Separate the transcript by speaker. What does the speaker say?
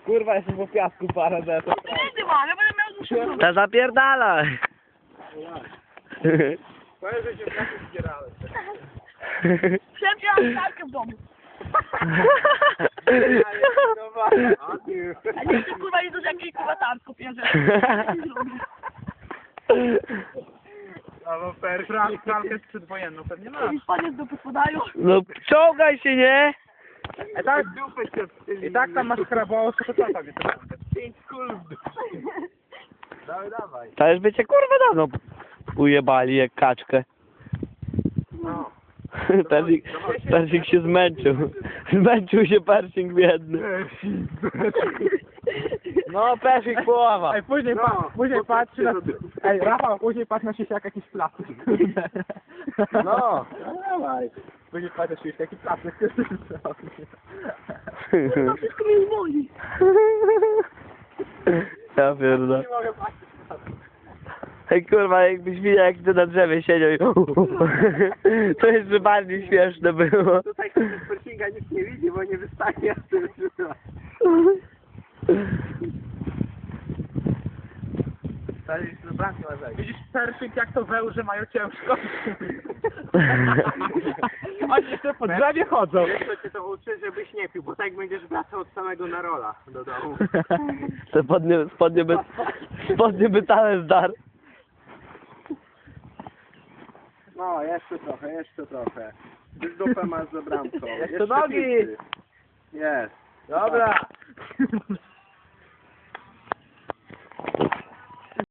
Speaker 1: Kurwa, jeszcze po piasku parę zetów.
Speaker 2: No pieniędzy mam, ja będę miał duszę.
Speaker 3: To zapierdalaj.
Speaker 1: Powiem, że się w piasku zbierałem.
Speaker 2: Przebieram tarkę w domu. A nie chcę kurwa nie dużo jakiś kurwa tam kupię, że...
Speaker 1: Albo pralkę przedwojenną pewnie ma.
Speaker 2: I panie z dupy podają.
Speaker 3: No czołgaj się, nie?
Speaker 1: I tak tam masz krabało, to co tam jest? 5 kul w dupie. Dawaj.
Speaker 3: To już by cię kurwa dawno ujebali jak kaczkę.
Speaker 1: No.
Speaker 3: Persik się zmęczył. Zmęczył się Persik biedny. No Persik połowa.
Speaker 1: Ej, później, później patrzy na... Ej, Rafał, później patrzy na się jak jakiś plastik.
Speaker 3: No.
Speaker 1: Dawaj. Później patrzy się jak jakiś plastik.
Speaker 2: Kurwa wszystko mnie boli.
Speaker 3: Ja pierdolę.
Speaker 1: Nie mogę patrzeć na to.
Speaker 3: Ej kurwa, jakbyś widział jak ty na drzewie siedział i... To jeszcze bardziej śmieszne było.
Speaker 1: Tutaj ktoś z Persinga nic nie widzi, bo nie wystanie, a ty wysyłasz. Widzisz, Persing jak to wełże mają ciężko. Oni jeszcze po drzewie chodzą.
Speaker 4: Wiesz, co cię to uczy, żebyś nie pił, bo tak będziesz wracał od samego Narola do domu.
Speaker 3: Te spodnie by całe zdar.
Speaker 4: No, jeszcze trochę. Już dupę masz za bramką.
Speaker 1: Jeszcze nogi.
Speaker 4: Jest.
Speaker 1: Dobra.